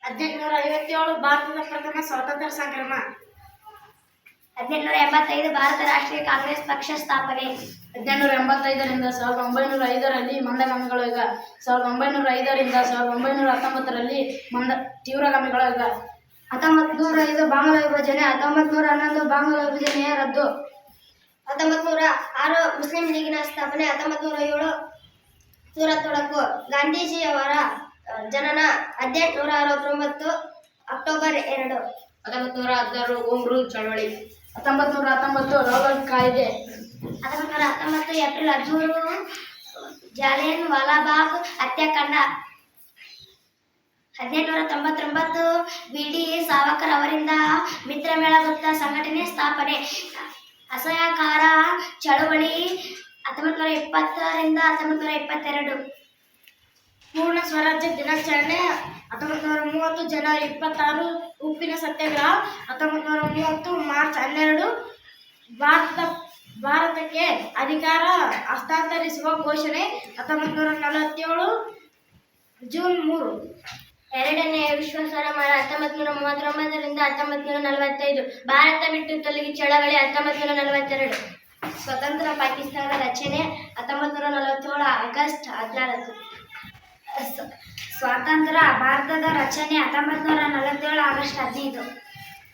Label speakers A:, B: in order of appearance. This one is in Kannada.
A: 1857 ಭಾರತದ ಪ್ರಥಮ ಸ್ವಾತಂತ್ರ್ಯ ಸಂಗ್ರಾಮ.
B: 1885 ಭಾರತ ರಾಷ್ಟ್ರೀಯ ಕಾಂಗ್ರೆಸ್ ಪಕ್ಷ ಸ್ಥಾಪನೆ.
A: 1885ರಿಂದ 1905ರಲ್ಲಿ ಮಂದಗಾಮಿಗಳ ಯುಗ. 1905ರಿಂದ 1919ರಲ್ಲಿ ತೀವ್ರಗಾಮಿಗಳ ಯುಗ.
B: 1905 ಬಾಂಗ್ಲಾ ವಿಭಜನೆ. 1911 ಬಾಂಗ್ಲಾ ವಿಭಜನೆಯ ರದ್ದು. 1906 ಮುಸ್ಲಿಂ ಲೀಗಿನ ಸ್ಥಾಪನೆ. 1907 ಸೂರತ್ ಒಳಗು. ಗಾಂಧೀಜಿಯವರ ಜನನ 1869 ಅಕ್ಟೋಬರ್ 2.
A: 1916 ಹೋಮ್ ರೂಲ್ ಚಳವಳಿ. 1919 ರೋಗನ್ ಕಾಯ್ದೆ.
B: 1919 ಏಪ್ರಿಲ್ 13 ಜಾಲಿಯನ್ ವಾಲಾಬಾಗ್ ಹತ್ಯಾಕಾಂಡ. 1899 ಬಿ.ಡಿ. ಸಾವರ್ಕರ್ ಅವರಿಂದ ಮಿತ್ರಮೇಳ ಗುಪ್ತ ಸಂಘಟನೆ ಸ್ಥಾಪನೆ. ಅಸಹಕಾರ ಚಳವಳಿ 1920ರಿಂದ 1922.
A: ಪೂರ್ಣ ಸ್ವರಾಜ್ಯ ದಿನಾಚರಣೆ 1930 ಜನವರಿ 26 ಉಪ್ಪಿನ ಸತ್ಯಾಗ್ರಹ. 1930 ಮಾರ್ಚ್ 12 ಭಾರತಕ್ಕೆ ಅಧಿಕಾರ ಹಸ್ತಾಂತರಿಸುವ ಘೋಷಣೆ. 1947 ಜೂನ್ 3
B: ಎರಡನೆಯ ವಿಶ್ವ ಸಮರ. 1939ರಿಂದ 1945 ಭಾರತ ಬಿಟ್ಟು ತೊಲಗಿ ಚಳವಳಿ. 1942 ಸ್ವತಂತ್ರ ಪಾಕಿಸ್ತಾನ ರಚನೆ. 1947 ಆಗಸ್ಟ್ 14.
A: ಸ್ವಾತಂತ್ರ್ಯ ಭಾರತದ ರಚನೆ 1947 ಆಗಸ್ಟ್ 15.